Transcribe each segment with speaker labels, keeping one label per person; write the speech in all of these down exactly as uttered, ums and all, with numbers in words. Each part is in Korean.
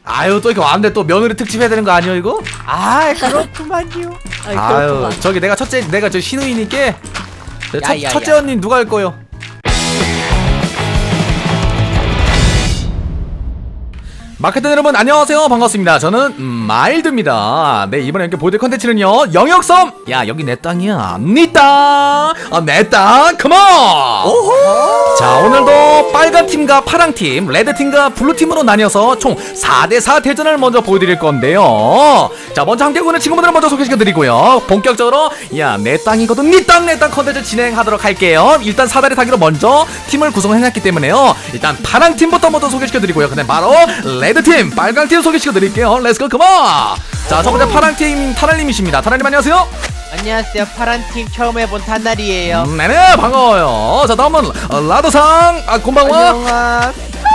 Speaker 1: 아유 또 이렇게 왔는데 또 며느리 특집 해야 되는 거 아니야 이거?
Speaker 2: 아 그렇구만요.
Speaker 1: 아유,
Speaker 3: 아유,
Speaker 1: 저기 내가 첫째 내가 저 신우이니께 첫,
Speaker 2: 야, 야,
Speaker 1: 첫째
Speaker 2: 야.
Speaker 1: 언니 누가 할 거요? 마케팅 여러분 안녕하세요 반갑습니다. 저는 음, 마일드입니다. 네 이번에 이렇게 보여드릴 컨텐츠는요 영역섬. 야 여기 내 땅이야 니 땅. 어, 내 땅 컴온. 자 오늘도 빨간팀과 파랑팀 레드팀과 블루팀으로 나뉘어서 총 사 대 사 대전을 먼저 보여드릴 건데요. 자 먼저 함께하고 있는 친구분들을 먼저 소개시켜드리고요. 본격적으로 야 내 땅이거든 니 땅 내 땅 컨텐츠 진행하도록 할게요. 일단 사다리 타기로 먼저 팀을 구성해놨기 때문에요. 일단 파랑팀부터 먼저 소개시켜드리고요. 근데 바로 레드팀 빨강팀 소개시켜드릴게요. 렛츠고 컴온. 자 첫번째 파랑팀 타날님이십니다. 타날님 안녕하세요.
Speaker 2: 안녕하세요. 파란팀 처음 해본 탄날이에요.
Speaker 1: 음, 네네 반가워요. 자 다음은 어, 라더상 아 곤방와.
Speaker 2: 안녕하.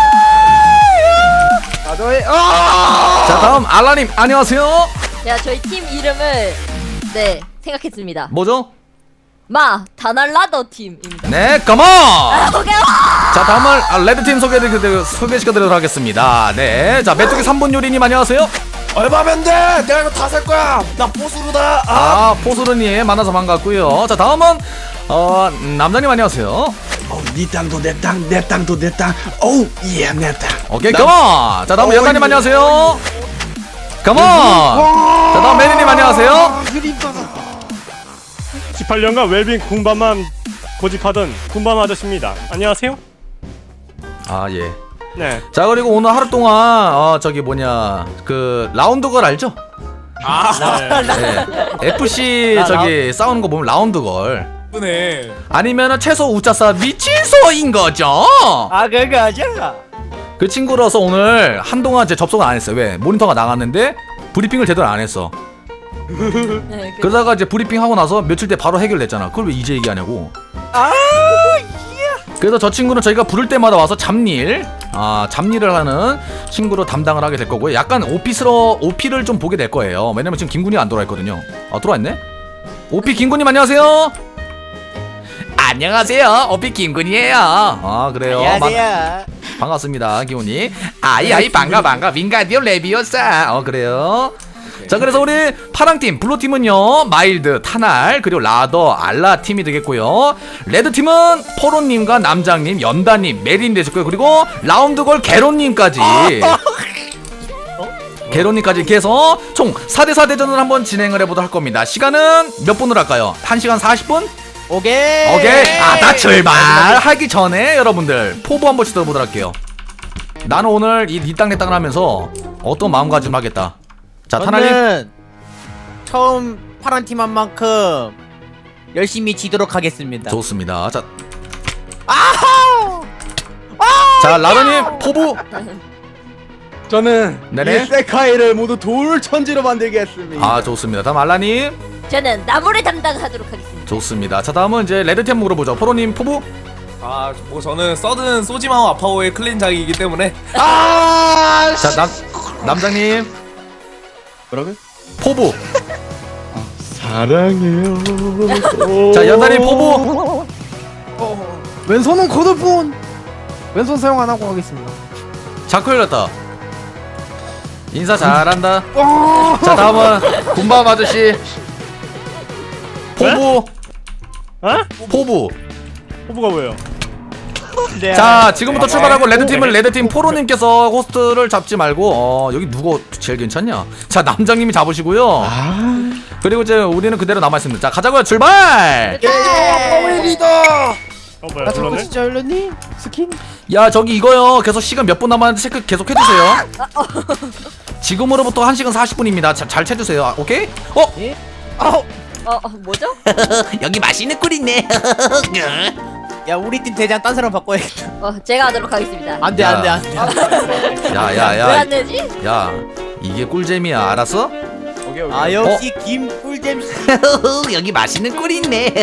Speaker 2: 나도해.
Speaker 1: 자 다음 알라님 안녕하세요.
Speaker 3: 자, 저희 팀 이름을 네 생각했습니다.
Speaker 1: 뭐죠?
Speaker 3: 마 다날라더 팀입니다.
Speaker 1: 네 컴온.
Speaker 3: 오케이.
Speaker 1: 자 다음은 아, 레드팀 소개해드리, 소개시켜드리도록 하겠습니다. 네자 메뚜기 삼 분 요리님 안녕하세요.
Speaker 4: 얼마면 돼? 내가 이거 다 살 거야. 나 보수루다. 아,
Speaker 1: 아 포수르님 만나서 반갑고요. 자 다음은 어 남자님 안녕하세요.
Speaker 4: 어, 네 땅도 내 땅, 내 땅도 내 땅. 오우, 예, 내 땅.
Speaker 1: 오케이
Speaker 4: 나-
Speaker 1: 컴온. 자 다음은
Speaker 4: 어,
Speaker 1: 여자님
Speaker 4: 이거-
Speaker 1: 안녕하세요. 컴온. 자 다음 메리님 안녕하세요.
Speaker 5: 십팔 년간 웰빙 군밤만 고집하던 군밤 아저씨입니다. 안녕하세요.
Speaker 1: 아 예.
Speaker 5: 네.
Speaker 1: 자 그리고 오늘 하루 동안 어 저기 뭐냐 그 라운드걸 알죠? 네. 에프씨
Speaker 2: 나
Speaker 1: 저기 싸우는 거 보면 라운드걸.
Speaker 4: 예쁘네.
Speaker 1: 아니면은 채소 우짜싸 미친소인 거죠?
Speaker 2: 아 그거죠.
Speaker 1: 그 친구로서 오늘 한동안 제 접속을 안 했어요. 왜? 모니터가 나갔는데 브리핑을 제대로 안 했어.
Speaker 3: 네, 그,
Speaker 1: 그러다가 이제 브리핑 하고 나서 며칠 때 바로 해결됐잖아. 그걸 왜 이제 얘기하냐고.
Speaker 2: 아
Speaker 1: 그래서 저 친구는 저희가 부를 때마다 와서 잡일, 아 잡일을 하는 친구로 담당을 하게 될 거고요. 약간 오피스러 오피를 좀 보게 될 거예요. 왜냐면 지금 김군이가 안 돌아와 있거든요. 아 돌아왔네? 오피 김군님 안녕하세요. 안녕하세요. 오피 김군이에요. 아 그래요.
Speaker 2: 안녕하세요.
Speaker 1: 마- 반갑습니다 기훈이. 아이 아이 반가 반가 윙가디오 레비오사. 어 그래요. 자 그래서 우리 파랑팀 블루팀은요 마일드 타날 그리고 라더 알라 팀이 되겠고요. 레드팀은 포로님과 남장님 연다님 메린 되셨고요. 그리고 라운드걸 게론님까지 게론님까지 이렇게 해서 총 사 대 사 대전을 한번 진행을 해보도록 할 겁니다. 시간은 몇 분으로 할까요? 한 시간 사십 분?
Speaker 2: 오케이.
Speaker 1: 오케이. 아, 나 출발하기 전에 여러분들 포부 한 번씩 들어보도록 할게요. 나는 오늘 이 니 땅 내 땅을 하면서 어떤 마음가짐을 하겠다. 자, 타날님.
Speaker 2: 저는 처음 파란 팀 한 만큼 열심히 지도록 하겠습니다.
Speaker 1: 좋습니다. 자, 자 라더님 포부.
Speaker 4: 저는
Speaker 1: 네네.
Speaker 4: 이 세카이를 모두 돌 천지로 만들겠습니다.
Speaker 1: 아, 좋습니다. 다음 알라님.
Speaker 3: 저는 나무를 담당하도록 하겠습니다.
Speaker 1: 좋습니다. 자, 다음은 이제 레드팀 물어보죠. 포로님 포부.
Speaker 6: 아, 뭐 저는 서든 소지마오 아파오의 클린작이기 때문에
Speaker 4: 아,
Speaker 1: 자, 남 남장님
Speaker 4: 뭐라고요?
Speaker 1: 포부.
Speaker 4: 사랑해요.
Speaker 1: 자, 연다님 포부.
Speaker 7: 왼손은 코드폰 왼손 사용 안 하고 하겠습니다.
Speaker 1: 자크 열렸다. 인사 잘한다. 자, 다음은 군밤 아저씨. 포부.
Speaker 5: 어?
Speaker 1: 포부.
Speaker 5: 호부가 뭐예요?
Speaker 2: 네.
Speaker 1: 자 지금부터 출발하고 레드팀은 레드팀 포로님께서 호스트를 잡지 말고 어 여기 누구 제일 괜찮냐. 자 남장님이 잡으시고요. 그리고 이제 우리는 그대로 남아있습니다. 자 가자고요. 출발.
Speaker 4: 파워의 리더.
Speaker 5: 어 뭐야?
Speaker 7: 나 저거
Speaker 5: 불렀네?
Speaker 7: 진짜 열렸니? 스킨?
Speaker 1: 야 저기 이거요 계속 시간 몇 분 남았는데 체크 계속 해주세요. 지금으로부터 한 시간 사십 분입니다. 자, 잘 채주세요. 아, 오케이? 어?
Speaker 3: 어, 어 뭐죠?
Speaker 1: 여기 맛있는 꿀 있네.
Speaker 2: 야 우리 팀 대장 딴 사람 바꿔야겠다.
Speaker 3: 어, 제가 하도록 하겠습니다.
Speaker 2: 안돼 안돼 안돼.
Speaker 3: 왜
Speaker 1: 야야야
Speaker 3: 안 되지?
Speaker 1: 야 이게 꿀잼이야 알았어?
Speaker 4: 오케이 오케이.
Speaker 2: 아 역시 김꿀잼 씨.
Speaker 1: 여기 맛있는 꿀이 있네.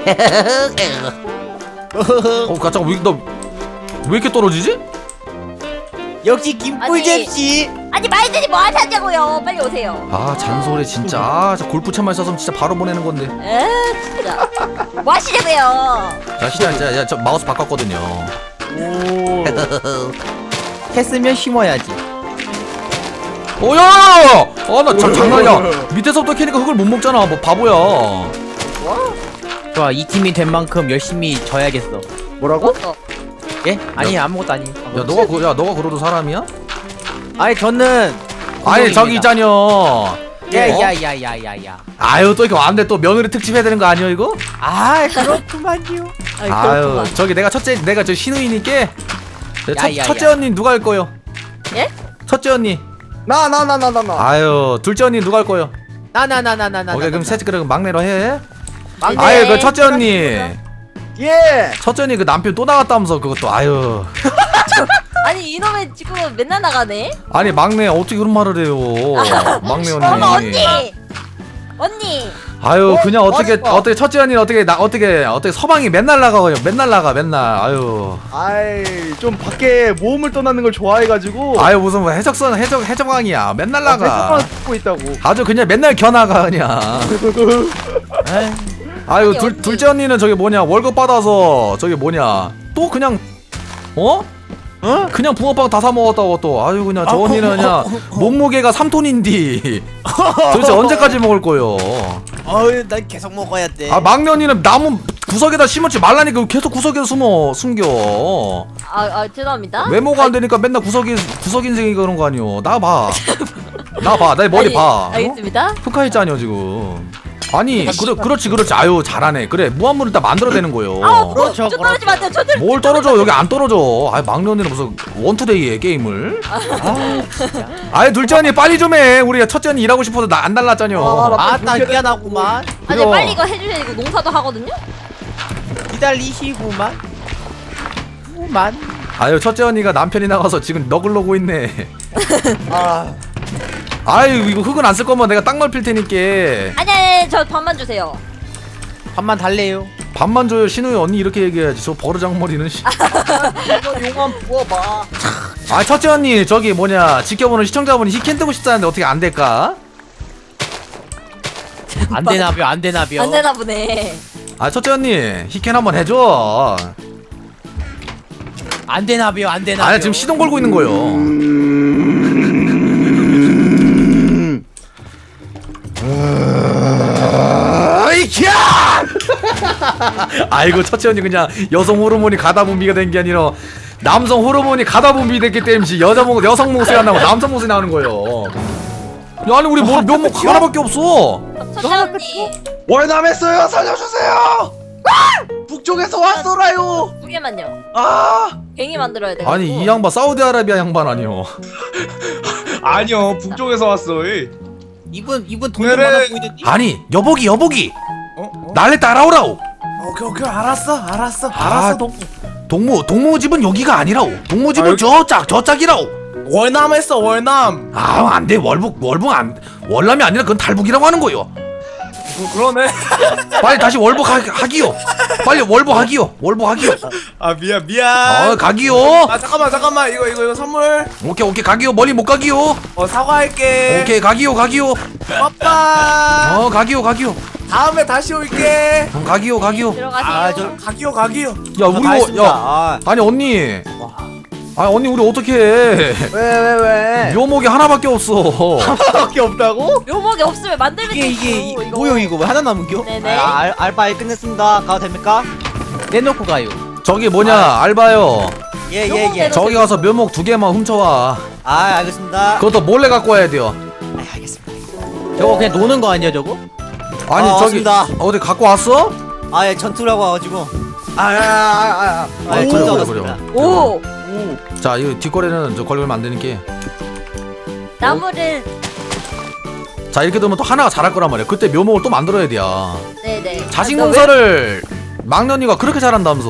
Speaker 1: 어 잠깐 왜, 너, 왜 이렇게 떨어지지?
Speaker 2: 역시 김꿀잼 씨.
Speaker 3: 아니 마이들이 뭐 하냐고요. 빨리 오세요.
Speaker 1: 아 잔소리 진짜. 아, 저 골프채만 있었으면 진짜 바로 보내는 건데.
Speaker 3: 에 진짜. 뭐 하시냐고요.
Speaker 1: 자 시작 이제 야, 저 마우스 바꿨거든요.
Speaker 2: 오. 했으면 심어야지.
Speaker 1: 오야! 아나 장난이야. 밑에서부터 캐니까 흙을 못 먹잖아. 뭐 바보야.
Speaker 2: 좋아, 이 팀이 된 만큼 열심히 져야겠어.
Speaker 7: 뭐라고?
Speaker 3: 어,
Speaker 2: 예? 아니 아무것도 아니에요.
Speaker 1: 야 너가 그, 야 너가 그러도 사람이야?
Speaker 2: 아니 저는
Speaker 1: 아니 저기 있잖여.
Speaker 2: 야야야야야야.
Speaker 1: 아유 또 이렇게 왔는데 또 며느리 특집 해야 되는 거 아니야 이거?
Speaker 2: 아 그렇구만요.
Speaker 3: 아이,
Speaker 1: 아유
Speaker 3: 그렇구만.
Speaker 1: 저기 내가 첫째 내가 저 신우이니까 네, 첫,
Speaker 2: 야, 야,
Speaker 1: 첫째
Speaker 2: 야.
Speaker 1: 언니 누가 할 거요?
Speaker 3: 예?
Speaker 1: 첫째 언니.
Speaker 7: 나 나 나 나 나 나.
Speaker 1: 아유 둘째 언니 누가 할 거요?
Speaker 2: 나나나나나나.
Speaker 1: 오케이 그럼 셋째 그럼 막내로 해.
Speaker 2: 막내.
Speaker 1: 아유 그 첫째 언니.
Speaker 7: 예.
Speaker 1: 첫째 언니 그 남편 또 나갔다면서 그것도 아유.
Speaker 3: 아니 이놈의 지금 맨날 나가네.
Speaker 1: 아니 막내 어떻게 그런 말을 해요? 막내 언니.
Speaker 3: 어머 언니. 언니.
Speaker 1: 아유 그냥 어떻게
Speaker 7: 맞아.
Speaker 1: 어떻게 첫째 언니는 어떻게 나 어떻게 어떻게 서방이 맨날 나가요? 맨날 나가 맨날. 아유.
Speaker 7: 아이 좀 밖에 모험을 떠나는 걸 좋아해가지고.
Speaker 1: 아유 무슨 뭐 해적선 해적 해적왕이야. 맨날 나가.
Speaker 7: 듣고 있다고.
Speaker 1: 아주 그냥 맨날 겨나가 그냥. 아유
Speaker 3: 아니,
Speaker 1: 둘
Speaker 3: 언니.
Speaker 1: 둘째 언니는 저기 뭐냐 월급 받아서 저기 뭐냐 또 그냥 어?
Speaker 2: 어?
Speaker 1: 그냥 붕어빵 다 사 먹었다고 또. 아유 그냥 저 언니는 그냥 몸무게가 삼 톤인디. 도대체 언제까지 먹을 거요?
Speaker 2: 어우 난 계속 먹어야 돼.
Speaker 1: 아 막내 언니는 나무 구석에다 심었지 말라니까 계속 구석에 숨어 숨겨.
Speaker 3: 아, 아 죄송합니다.
Speaker 1: 외모가 안 되니까 맨날 구석이 구석 인생이 그런 거 아니오. 나 봐. 나 봐. 내 머리
Speaker 3: 아니,
Speaker 1: 봐.
Speaker 3: 알겠습니다.
Speaker 1: 흑화했잖여 지금. 아니 그래 그렇지 그렇지. 아유 잘하네. 그래 무한물을 다 만들어내는 거요.
Speaker 3: 아, 뭐,
Speaker 2: 그렇죠,
Speaker 3: 저 떨어지면 안 돼요. 저들.
Speaker 1: 뭘 떨어져 여기 안 떨어져. 아이 막내 언니는 무슨 원투데이에 게임을. 아이 둘째 언니 빨리 좀 해. 우리 첫째 언니 일하고 싶어서 나 안 달랐잖여.
Speaker 2: 아따 미안하구만.
Speaker 3: 아니
Speaker 1: 그래요.
Speaker 3: 빨리 이거 해주셔야 이거 농사도 하거든요.
Speaker 2: 기다리시구만. 구만.
Speaker 1: 아유 첫째 언니가 남편이 나가서 지금 너글러고 있네.
Speaker 7: 아.
Speaker 1: 아유 이거 흙은 안 쓸 거면 내가 땅 넓힐 테니까
Speaker 3: 아니 아니 저 밥만 주세요.
Speaker 2: 밥만 달래요.
Speaker 1: 밥만 줘요. 신우이 언니 이렇게 얘기해야지. 저 버르장머리는. 씨.
Speaker 7: 이거 용암 부어봐.
Speaker 1: 아 첫째 언니 저기 뭐냐 지켜보는 시청자분이 히켄 뜨고 싶다는데 어떻게 안 될까?
Speaker 2: 안 되나벼 안 되나벼.
Speaker 3: 안 되나 보네.
Speaker 1: 아 첫째 언니 히켄 한번 해줘.
Speaker 2: 안 되나벼 안 되나벼.
Speaker 1: 아니 지금 시동 걸고 있는 거요.
Speaker 7: 아이키야!
Speaker 1: 아이고 첫째 언니 그냥 여성 호르몬이 가다 분비가 된 게 아니라 남성 호르몬이 가다 분비됐기 때문에 여자 목 여성 목소리 안 나고 남성 목소리 나오는 거예요. 야, 아니 우리 뭐 면목 하나밖에 없어.
Speaker 3: 첫째 언니
Speaker 4: 월남했어요. 살려주세요. 아! 북쪽에서 왔어라요.
Speaker 3: 두 개만요.
Speaker 4: 아,
Speaker 3: 갱이 만들어야 돼.
Speaker 1: 아니 이 양반 사우디아라비아 양반 아니요.
Speaker 6: 아니요 북쪽에서 왔어. 이.
Speaker 2: 이분 이분 돈
Speaker 6: 그래.
Speaker 2: 많아 보이는데.
Speaker 1: 아니 여보기 여보기
Speaker 6: 어? 어?
Speaker 1: 날래 따라오라오.
Speaker 4: 오케이 오케이 알았어 알았어
Speaker 1: 아,
Speaker 4: 알았어. 동...
Speaker 1: 동무 동무 집은 여기가 아니라오. 동무 집은
Speaker 6: 아, 여기-
Speaker 1: 저짝 저짝이라오.
Speaker 6: 월남했어 월남.
Speaker 1: 아 안돼 월북 월북 안 월남이 아니라 그건 탈북이라고 하는 거요.
Speaker 6: 그, 그러네.
Speaker 1: 빨리 다시 월북 하, 하기요. 빨리 월북 하기요. 월북 하기요.
Speaker 6: 아 미안 미안.
Speaker 1: 어 가기요.
Speaker 6: 아 잠깐만 잠깐만 이거 이거 이거 선물.
Speaker 1: 오케이 오케이 가기요. 멀리 못 가기요.
Speaker 6: 어 사과할게.
Speaker 1: 오케이 가기요 가기요.
Speaker 6: 빠빠.
Speaker 1: 어 가기요 가기요.
Speaker 6: 다음에 다시 올게.
Speaker 1: 어, 가기요 가기요.
Speaker 3: 들어가세요.
Speaker 6: 아저 가기요 가기요.
Speaker 1: 야 우리 뭐, 야 아니 언니. 아 언니 우리 어떻게 해?
Speaker 7: 왜 왜 왜?
Speaker 1: 묘목이 하나밖에 없어.
Speaker 7: 하나밖에 없다고?
Speaker 3: 묘목이 없으면 만들면
Speaker 2: 이게
Speaker 3: 되죠,
Speaker 2: 이게 이-
Speaker 3: 이거.
Speaker 2: 뭐요 이거 왜 하나 남은겨?
Speaker 3: 네네.
Speaker 8: 아, 알, 알바일 끝냈습니다. 가도 됩니까?
Speaker 2: 내놓고 가요.
Speaker 1: 저기 뭐냐 알바요.
Speaker 8: 예, 예, 예.
Speaker 1: 저기 가서 묘목 두 개만 훔쳐와.
Speaker 8: 아, 알겠습니다.
Speaker 1: 그것도 몰래 갖고 와야 돼요.
Speaker 8: 아, 알겠습니다.
Speaker 2: 저거 그냥 노는 거 아니야 저거?
Speaker 1: 아니
Speaker 8: 아,
Speaker 1: 저기
Speaker 8: 왔습니다.
Speaker 1: 어디 갖고 왔어?
Speaker 8: 아, 예, 전투라고 와가지고.
Speaker 7: 아, 아, 아, 아.
Speaker 8: 아, 예,
Speaker 1: 오,
Speaker 8: 전투
Speaker 1: 그래,
Speaker 8: 왔습니다.
Speaker 3: 오
Speaker 1: 자 이거 뒷거래는 저 걸리면 안 되니까.
Speaker 3: 나무를
Speaker 1: 자 이렇게 되면 또 하나가 자랄 거란 말이야. 그때 묘목을 또 만들어야 돼.
Speaker 3: 네네.
Speaker 1: 자식
Speaker 3: 아, 너
Speaker 1: 농사를 막년이가 그렇게 잘한다면서.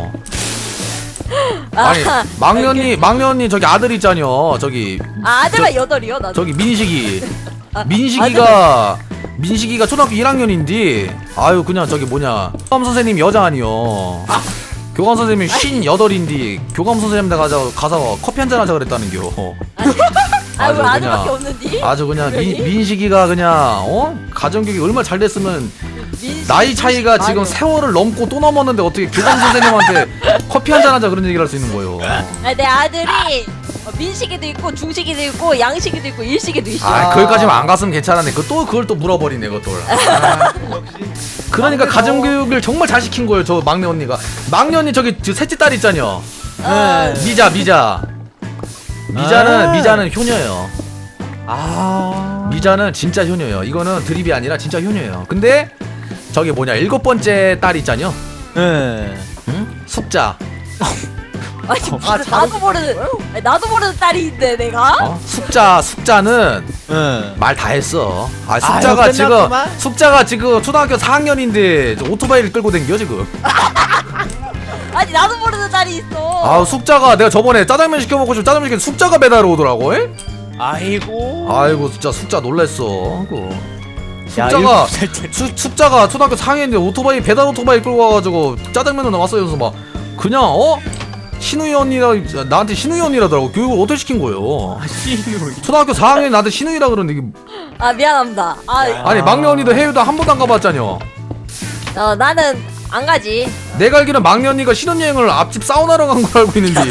Speaker 3: 왜-
Speaker 1: 아니
Speaker 3: 아,
Speaker 1: 막년이 막년이 저기 아들 있잖여. 저기
Speaker 3: 아, 아들만 여덟이요 나도.
Speaker 1: 저기 민식이 민식이가 민식이가 초등학교 일 학년인데 아유 그냥 저기 뭐냐 교감 선생님 여자 아니요. 교감 선생님이 쉰 여덟인데 교감 선생님 데 가서 가서 커피 한잔 하자 그랬다는겨.
Speaker 3: 아유
Speaker 1: 아주
Speaker 3: 아들밖에
Speaker 1: 그냥-
Speaker 3: 없는디.
Speaker 1: 아주 그냥 민,
Speaker 3: 왜니?
Speaker 1: 민식이가 그냥 어 가정교육이 얼마나 잘 됐으면
Speaker 3: 민식-
Speaker 1: 나이 차이가 지금
Speaker 3: 아유.
Speaker 1: 세월을 넘고 또 넘었는데 어떻게 교감 선생님한테 커피 한잔 하자 그런 얘기를 할 수 있는 거예요.
Speaker 3: 아, 내 아들이 어, 민식이도 있고 중식이도 있고 양식이도 있고 일식이도 있어.
Speaker 1: 아, 거기까지만 안 갔으면 괜찮았네. 그 또 그걸 또 물어버리네, 그것도. 아. 그러니까 가정 교육을 정말 잘 시킨 거예요, 저 막내 언니가. 막내 언니 저기 저 셋째 딸 있잖여.
Speaker 3: 어,
Speaker 1: 미자, 미자. 미자는
Speaker 2: 아.
Speaker 1: 미자는 효녀예요.
Speaker 2: 아.
Speaker 1: 미자는 진짜 효녀예요. 이거는 드립이 아니라 진짜 효녀예요. 근데 저기 뭐냐 일곱 번째 딸 있잖여.
Speaker 2: 네.
Speaker 1: 응? 숙자.
Speaker 3: 아니 무슨 나도 모르는 아니, 나도 모르는 딸이 있네 내가.
Speaker 1: 어? 숙자, 숙자는
Speaker 2: 네.
Speaker 1: 말 다 했어. 아,
Speaker 2: 아유,
Speaker 1: 숙자가 지금
Speaker 2: 끝났구만.
Speaker 1: 숙자가 지금 초등학교 사 학년인데 오토바이를 끌고 댕겨 지금.
Speaker 3: 아니 나도 모르는 딸이 있어.
Speaker 1: 아, 숙자가 내가 저번에 짜장면 시켜 먹고 싶 짜장면 시켰는데 숙자가 배달 오더라고. 에?
Speaker 2: 아이고.
Speaker 1: 아이고 진짜 숙자 놀랬어. 아이고.
Speaker 2: 야,
Speaker 1: 숙자가
Speaker 2: 일곱 살 때.
Speaker 1: 수, 숙자가 초등학교 사 학년인데 오토바이 배달 오토바이 끌고 와가지고 짜장면을 나왔어요. 그래서 막 그냥 어? 신우이 언니라 나한테 신우이 언니라더라고. 교육을 어떻게 시킨 거예요? 초등학교 사 학년이 나한테 신우이라 그러는데 이게
Speaker 3: 아 미안합니다. 아
Speaker 1: 아니 막내 언니도 해외도 한 번도 안 가봤잖여.
Speaker 3: 어, 나는 안 가지.
Speaker 1: 내가 알기로는 막내 언니가 신혼여행을 앞집 사우나로 간 걸 알고 있는데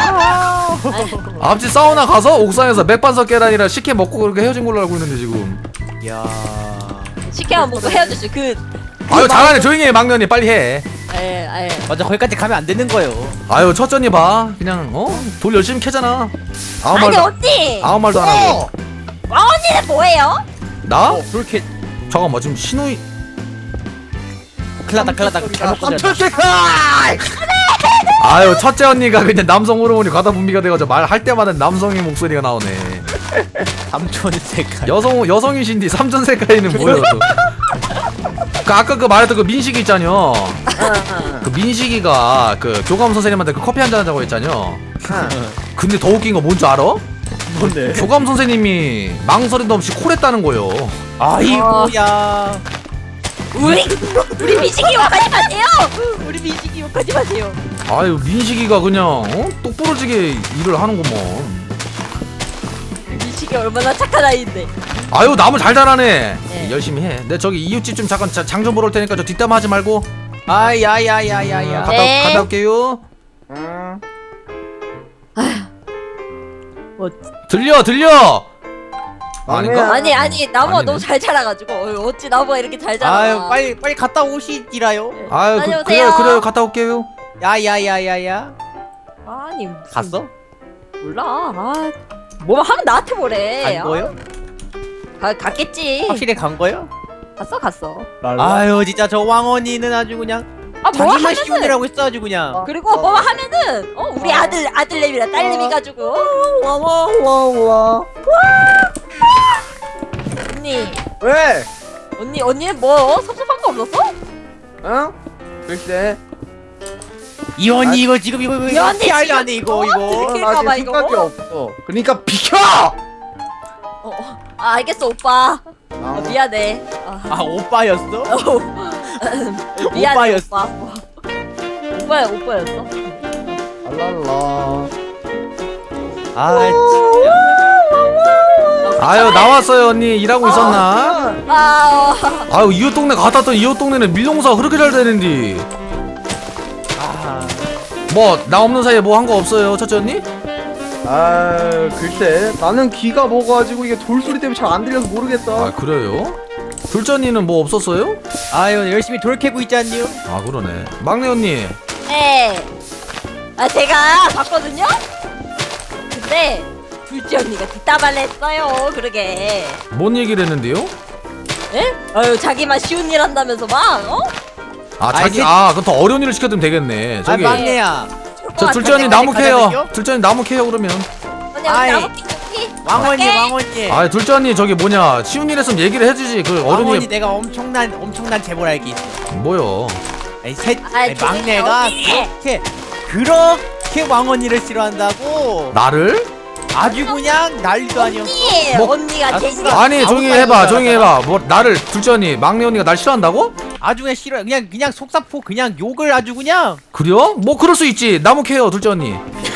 Speaker 1: 앞집 사우나 가서 옥상에서 맥반석 계란이랑 식혜 먹고 그렇게 헤어진 걸로 알고 있는데 지금.
Speaker 2: 야.
Speaker 3: 식혜만 먹고 헤어졌지. 그
Speaker 1: 아유 잘하네. 조용히 해 막내 언니 빨리 해.
Speaker 3: 에, 에.
Speaker 2: 맞아, 거기까지 가면 안 되는 거예요.
Speaker 1: 아유 첫 언니 봐 그냥 어? 돌 열심히 캐잖아. 아무
Speaker 3: 아니
Speaker 1: 말도
Speaker 3: 언니.
Speaker 1: 아무 말도 안 하고.
Speaker 3: 와 언니는 뭐예요?
Speaker 1: 나?
Speaker 2: 그렇게
Speaker 1: 잠깐만 지금 신우이
Speaker 2: 큰일 났다, 큰일 났다. 잘못 건졌다.
Speaker 1: 아유 첫째 언니가 그냥 남성 호르몬이 과다 분비가 돼가지고 말할 때마다 남성의 목소리가 나오네.
Speaker 2: 삼촌 색깔.
Speaker 1: 여성 여성이신데 삼촌 색깔이는 뭐야 또? 그 아까 그 말했던 그 민식이 있잖여. 그 민식이가 그 교감 선생님한테 그 커피 한잔 하자고 했잖여. 근데 더 웃긴 거 뭔지 알아?
Speaker 2: 뭔데?
Speaker 1: 교감 선생님이 망설임도 없이 콜했다는 거요.
Speaker 2: 아이고야.
Speaker 3: 우리 우리 미식이 욕하지 마세요. 우리 미식이 욕하지 마세요.
Speaker 1: 아유 민식이가 그냥 어? 똑부러지게 일을 하는구먼.
Speaker 3: 미식이 얼마나 착한 아이인데.
Speaker 1: 아유 남을 잘 자라네.
Speaker 3: 네.
Speaker 1: 열심히 해. 내 저기 이웃집 좀 잠깐 장 좀 보러 올 테니까 저 뒷담화 하지 말고.
Speaker 2: 아야야야야야.
Speaker 1: 갔다,
Speaker 3: 네.
Speaker 1: 갔다 올게요.
Speaker 3: 뭐
Speaker 1: 들려 들려. 아닌가?
Speaker 3: 아니 아니 나무가
Speaker 1: 아니네.
Speaker 3: 너무 잘 자라가지고 어, 어찌 나무가 이렇게 잘 자라.
Speaker 2: 아유, 빨리 빨리 갔다 오시지라요.
Speaker 1: 아유 그,
Speaker 3: 다녀오세요.
Speaker 1: 그래요 그래요 갔다 올게요.
Speaker 2: 야야야야야.
Speaker 3: 아니 무슨
Speaker 2: 갔어?
Speaker 3: 몰라. 아, 뭐 하면 나한테 뭐래.
Speaker 2: 간 거요?
Speaker 3: 아, 가, 갔겠지.
Speaker 2: 확실히 간 거요?
Speaker 3: 갔어 갔어.
Speaker 2: 아유, 진짜 저 왕언니는 아주 그냥
Speaker 3: 아 뭐
Speaker 2: 자기만
Speaker 3: 하면은
Speaker 2: 시원이라고 했어 아주 그냥.
Speaker 3: 그리고 뭐 하면은 어 우리 아들 아들내미랑 딸내미 가지고 와와와와 언니
Speaker 7: 왜?
Speaker 3: 언니 언니 뭐 섭섭한 거 없었어?
Speaker 7: 응? 글쎄.
Speaker 2: 이원이 이거 지금 이거 이거
Speaker 3: 이 언니
Speaker 2: 어떻게
Speaker 3: 지금
Speaker 2: 하려니 이거
Speaker 3: 어?
Speaker 2: 이거.
Speaker 3: 들킬까
Speaker 7: 나 지금
Speaker 3: 봐, 이거.
Speaker 7: 생각이 없어. 그러니까 비켜!
Speaker 3: 어, 어 아, 알겠어 오빠 어, 미안해 아,
Speaker 2: 아 오빠였어?
Speaker 3: 어, 미안해
Speaker 2: 오빠였어.
Speaker 3: 오빠 오빠야 오빠였어?
Speaker 7: 알랄라.
Speaker 2: 아
Speaker 1: 아유 나왔어요 언니. 일하고 있었나?
Speaker 3: 아
Speaker 1: 아유 이웃 동네 갔다 왔더니 이웃 동네는 밀농사가 그렇게 잘 되는데
Speaker 2: 아.
Speaker 1: 뭐 나 없는 사이에 뭐 한 거 없어요 첫째 언니?
Speaker 7: 아, 글쎄. 나는 귀가 먹어가지고 이게 돌소리 때문에 잘 안 들려서 모르겠다.
Speaker 1: 아 그래요? 둘째 언니는 뭐 없었어요?
Speaker 2: 아유 열심히 돌 캐고 있잖니요.
Speaker 1: 아 그러네. 막내 언니
Speaker 3: 네. 아 제가 봤거든요? 근데 둘째 언니가 뒷담화를 했어요 그러게
Speaker 1: 뭔 얘기를 했는데요?
Speaker 3: 에? 아유 자기만 쉬운 일 한다면서 막 어?
Speaker 1: 아 자기
Speaker 2: 그-
Speaker 1: 아 그럼 더 어려운 일을 시켜주면 되겠네. 저기
Speaker 2: 아 막내야.
Speaker 1: 저 둘째 언니
Speaker 2: 가자,
Speaker 1: 나무
Speaker 2: 가자,
Speaker 1: 캐요.
Speaker 2: 가자면요?
Speaker 1: 둘째 언니 나무 캐요 그러면.
Speaker 3: 언니
Speaker 2: 아이,
Speaker 3: 언니 나무 키우기
Speaker 2: 왕언니 왕언니.
Speaker 1: 아 둘째 언니 저기 뭐냐 쉬운 일 했으면 얘기를 해주지. 그
Speaker 2: 왕언니
Speaker 1: 어른이
Speaker 2: 내가 엄청난 엄청난 제보를 알게 있어.
Speaker 1: 뭐요?
Speaker 2: 아니 셋
Speaker 3: 아이,
Speaker 2: 아니,
Speaker 3: 조용히
Speaker 2: 막내가
Speaker 3: 해,
Speaker 2: 그렇게 그렇게 왕언니를 싫어한다고
Speaker 1: 나를?
Speaker 2: 아주 그냥 난리도 아니었어.
Speaker 3: 언니
Speaker 1: 뭐-
Speaker 3: 언니가
Speaker 2: 아,
Speaker 3: 제일
Speaker 2: 누가-
Speaker 1: 아니 조용히
Speaker 2: 아무
Speaker 1: 해봐
Speaker 2: 말도
Speaker 1: 조용히
Speaker 2: 안
Speaker 1: 해봐. 뭐 나를 둘째 언니 막내 언니가 날 싫어한다고?
Speaker 2: 아주 그냥 싫어. 그냥 그냥 속사포 그냥 욕을 아주 그냥.
Speaker 1: 그래요? 뭐 그럴 수 있지. 나무 캐요 둘째 언니.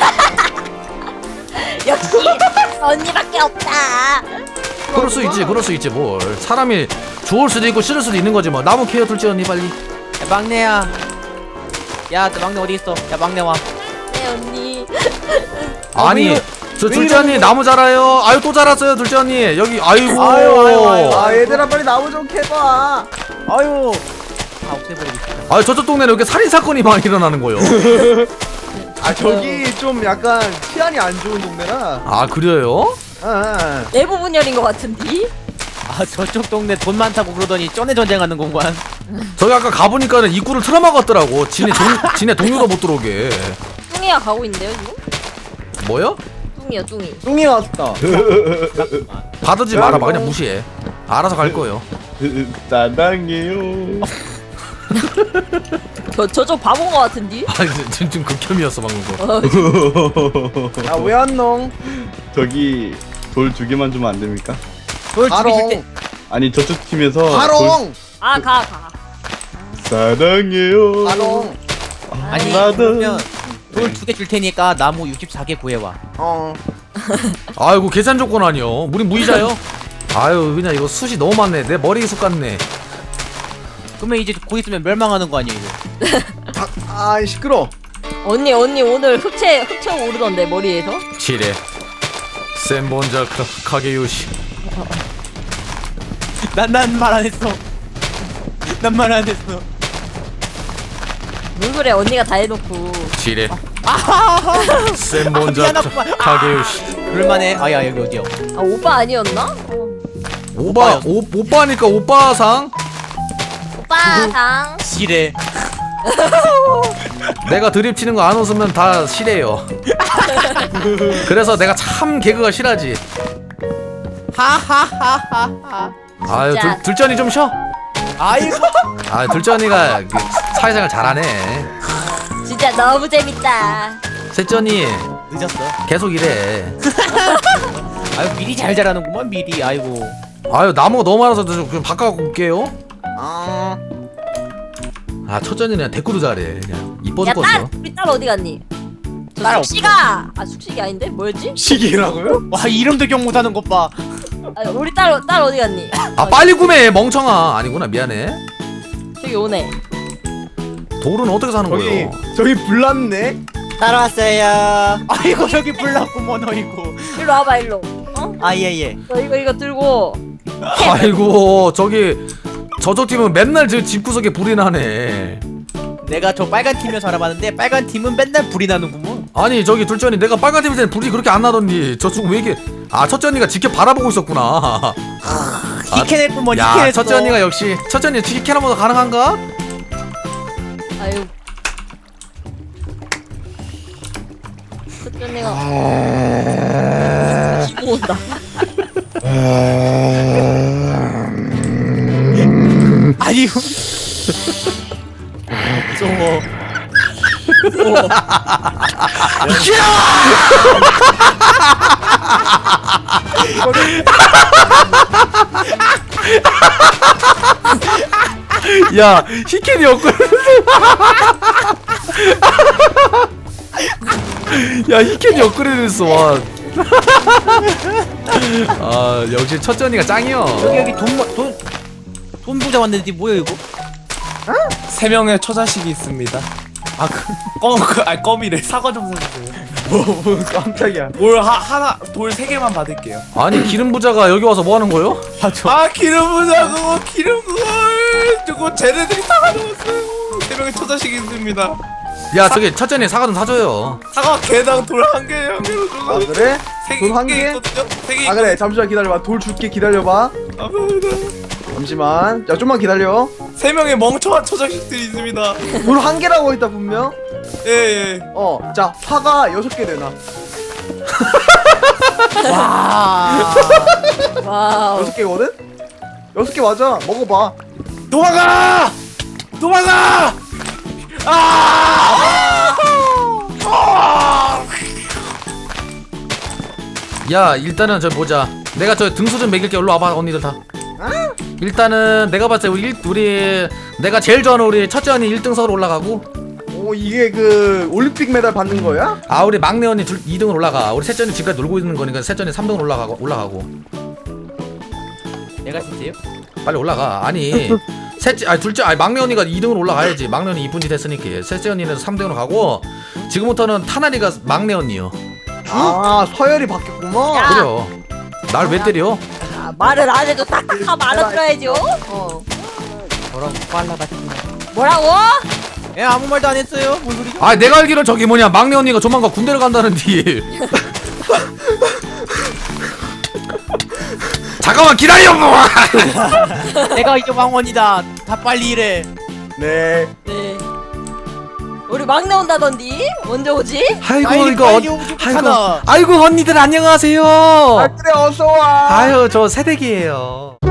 Speaker 3: 역시 언니밖에 없다
Speaker 1: 그럴 수 있지 그럴 수 있지 뭘. 사람이 좋을 수도 있고 싫을 수도 있는 거지 뭐. 나무 캐요 둘째 언니 빨리.
Speaker 2: 야, 막내야. 야, 너 막내 어디 있어? 야, 막내 와.
Speaker 3: 네 언니
Speaker 1: 아니
Speaker 2: 왜,
Speaker 1: 저 둘째 언니 나무 자라요. 아유 또 자랐어요 둘째 언니. 여기 아이고.
Speaker 2: 아유, 아유, 아유.
Speaker 7: 아 얘들아 빨리 나무 좀 캐봐.
Speaker 2: 아유 다 없애버리고 싶다.
Speaker 1: 아유 저쪽 동네는 이렇게 살인 사건이 많이 일어나는 거요.
Speaker 7: 아 저기 좀 약간 치안이 안 좋은 동네라.
Speaker 1: 아 그래요?
Speaker 7: 아, 아.
Speaker 3: 내부 분열인 것 같은데.
Speaker 2: 아 저쪽 동네 돈 많다고 그러더니 쩐에 전쟁하는 공간.
Speaker 1: 저기 아까 가보니까는 입구를 틀어막았더라고. 지네 동 지네 동료도 못 들어오게.
Speaker 3: 뚱이가 가고 있는데요 지금?
Speaker 1: 뭐요?
Speaker 3: 뚱이요 뚱이.
Speaker 7: 뚱이 왔다.
Speaker 1: 받아지 말아봐. 그냥 무시해. 알아서 갈 거예요.
Speaker 4: 사랑해요.
Speaker 3: 저 저쪽 바본 것 같은데.
Speaker 1: 아니 지금 지금 극혐이었어 방금 거.
Speaker 3: 어,
Speaker 7: 야왜 안 농?
Speaker 4: 저기 돌 두 개만 주면 안 됩니까?
Speaker 2: 돌 죽이실
Speaker 7: 바롱.
Speaker 2: 때
Speaker 4: 아니 저쪽 팀에서
Speaker 7: 바롱.
Speaker 3: 아 가 가.
Speaker 4: 돌 사랑해요.
Speaker 7: 바롱.
Speaker 2: 아니
Speaker 4: 나도.
Speaker 2: 그러면 돌 두 개 줄 테니까 나무 육십사 개 구해와.
Speaker 7: 어.
Speaker 1: 아이고 계산 조건 아니요. 우리 무이자요. 아유 그냥 이거 숱이 너무 많네. 내 머리 숱 같네.
Speaker 2: 그러면 이제 곧 있으면 멸망하는 거 아니에요 이거.
Speaker 7: 아 시끄러.
Speaker 3: 언니 언니 오늘 흑채 흑채 오르던데 머리에서.
Speaker 1: 지뢰. 센본자 카게요시.
Speaker 2: 난 난 말 안 했어. 난 말 안 했어.
Speaker 3: 뭘 그래 언니가 다 해놓고.
Speaker 1: 지뢰.
Speaker 2: 아
Speaker 1: 센본자
Speaker 2: 미안하구만.
Speaker 1: 카게요시.
Speaker 2: 그럴만해. 아야 여기 어디야?
Speaker 3: 아 오빠 아니었나? 어.
Speaker 1: 오빠 오, 오빠니까 오빠상.
Speaker 3: 오빠상.
Speaker 2: 지뢰.
Speaker 1: 내가 드립 치는 거 안 웃으면 다 싫어요. 그래서 내가 참 개그가 싫어하지.
Speaker 2: 하하하하하.
Speaker 1: 아유
Speaker 3: 진짜.
Speaker 1: 둘, 둘째 언니 좀 쉬어.
Speaker 2: 아이고.
Speaker 1: 아 둘째 언니가 그 사회생활 잘하네.
Speaker 3: 진짜 너무 재밌다.
Speaker 1: 셋째 언니
Speaker 2: 늦었어.
Speaker 1: 계속 이래.
Speaker 2: 아유 미리 잘 자라는구만 미리. 아이고.
Speaker 1: 아유 나무가 너무 많아서 좀 그냥 바꿔갖고 올게요.
Speaker 7: 아.
Speaker 1: 아 첫째 언니는 그냥 대꾸도 잘해. 그냥 이뻐
Speaker 3: 야
Speaker 1: 죽겠어.
Speaker 3: 딸 우리 딸 어디 갔니? 저
Speaker 2: 딸
Speaker 3: 숙식아. 아 숙식이 아닌데 뭐였지?
Speaker 7: 시기라고요?
Speaker 2: 와 이름도 기억 못하는 것 봐.
Speaker 3: 아, 우리 딸 딸 어디 갔니?
Speaker 1: 아 빨리 구매해 멍청아. 아니구나 미안해.
Speaker 3: 저기 오네.
Speaker 1: 돌은 어떻게 사는
Speaker 7: 저기
Speaker 1: 거예요?
Speaker 7: 저기 불났네.
Speaker 8: 따라왔어요.
Speaker 2: 아이고 저기 불났구먼 어이구.
Speaker 3: 일로 와봐 일로. 어?
Speaker 8: 아 예예.
Speaker 3: 너 이거 이거 들고.
Speaker 1: 아이고 저기 저쪽 팀은 맨날 저 집구석에 불이 나네.
Speaker 2: 내가 저 빨간 팀에서 알아봤는데 빨간 팀은 맨날 불이 나는구먼.
Speaker 1: 아니 저기 둘째 언니 내가 빨간 팀일 때는 불이 그렇게 안 나던니 저쪽 왜 이렇게. 아 첫째 언니가 지켜 바라보고 있었구나.
Speaker 2: 히케냈구먼
Speaker 1: 야
Speaker 2: 히케냈어.
Speaker 1: 첫째 언니가 역시 첫째 언니 치킨하면서 가능한가?
Speaker 3: 아유. 첫째 내가 기고 온다.
Speaker 2: 아이고. 무서워. 무서워.
Speaker 1: 야 히켄이 없고. 야 히켄이 업그레이드 됐어. 와. 아 역시 첫째 언니가 짱이요.
Speaker 2: 여기 여기 돈돈 돈 부자 왔는데 뭐야 이거?
Speaker 6: 세 명의 처자식이 있습니다.
Speaker 2: 아 그.
Speaker 6: 껌, 그, 아니 껌이래. 사과 좀 사주세요.
Speaker 7: 뭐 깜짝이야.
Speaker 6: 돌 하, 하나, 돌 세 개만 받을게요.
Speaker 1: 아니 기름 부자가 여기 와서 뭐 하는 거요?
Speaker 2: 아 저.
Speaker 6: 아 기름 부자 그거 기름 그걸 저거 쟤네들이 다 가져왔어요. 세 명의 처자식이 있습니다.
Speaker 1: 야 저기 첫째 언니 사과 좀 사줘요.
Speaker 6: 사과 개당 돌 한 개, 한 개로
Speaker 7: 아
Speaker 6: 줘서
Speaker 7: 그래?
Speaker 6: 세개
Speaker 7: 돌 한 개?
Speaker 6: 있거든요. 세개
Speaker 7: 아 그래 잠시만 기다려봐. 돌 줄게 기다려봐.
Speaker 6: 감사합니다.
Speaker 7: 잠시만. 야 좀만 기다려.
Speaker 6: 세 명의 멍청한 처자식들이 있습니다.
Speaker 7: 돌 한 개라고 했다 분명.
Speaker 6: 예 예.
Speaker 7: 어. 자 파가 여섯 개 되나?
Speaker 2: 와.
Speaker 3: 와우.
Speaker 7: 여섯 개거든? 여섯 개 맞아. 먹어봐.
Speaker 6: 도망가! 도망가! 아!
Speaker 1: 야 일단은 저 보자. 내가 저 등수 좀 매길게. 일로 와봐 언니들 다. 일단은 내가 봤을 때 우리 일, 우리 내가 제일 좋아하는 우리 첫째 언니 일 등석으로 올라가고.
Speaker 7: 오 이게 그 올림픽 메달 받는 거야?
Speaker 1: 아 우리 막내 언니 둘 이 등으로 올라가. 우리 셋째 언니 지금까지 놀고 있는 거니까 셋째 언니 삼 등으로 올라가고 올라가고.
Speaker 2: 내가 진짜요?
Speaker 1: 빨리 올라가. 아니 셋째 아니 둘째 아니 막내 언니가 이 등으로 올라가야지. 막내 언니 이쁜 짓 했으니까. 셋째 언니는 삼 등으로 가고 지금부터는 타나리가 막내 언니요.
Speaker 7: 아 서열이 바뀌었구만.
Speaker 3: 야.
Speaker 1: 그래요. 날 왜 때려?
Speaker 3: 아, 말을 안 해도 딱딱하면 알아들어야죠. 어.
Speaker 2: 뭐라고 빨라봤지.
Speaker 3: 뭐라고?
Speaker 2: 예, 아무 말도 안 했어요. 뭔 소리죠?
Speaker 1: 아 내가 알기로 저기 뭐냐 막내 언니가 조만간 군대를 간다는데. 잠깐만 기다려 뭐.
Speaker 2: 내가 이제 왕원이다. 다 빨리 일해.
Speaker 7: 네.
Speaker 3: 네. 우리 막내 온다던디? 언제 오지?
Speaker 1: 아이고
Speaker 2: 빨리,
Speaker 1: 이거
Speaker 2: 빨리
Speaker 1: 어-
Speaker 2: 오지
Speaker 1: 아이고
Speaker 2: 못하나.
Speaker 1: 아이고 언니들 안녕하세요.
Speaker 7: 아 그래 어서 와.
Speaker 1: 아유 저 새댁이에요.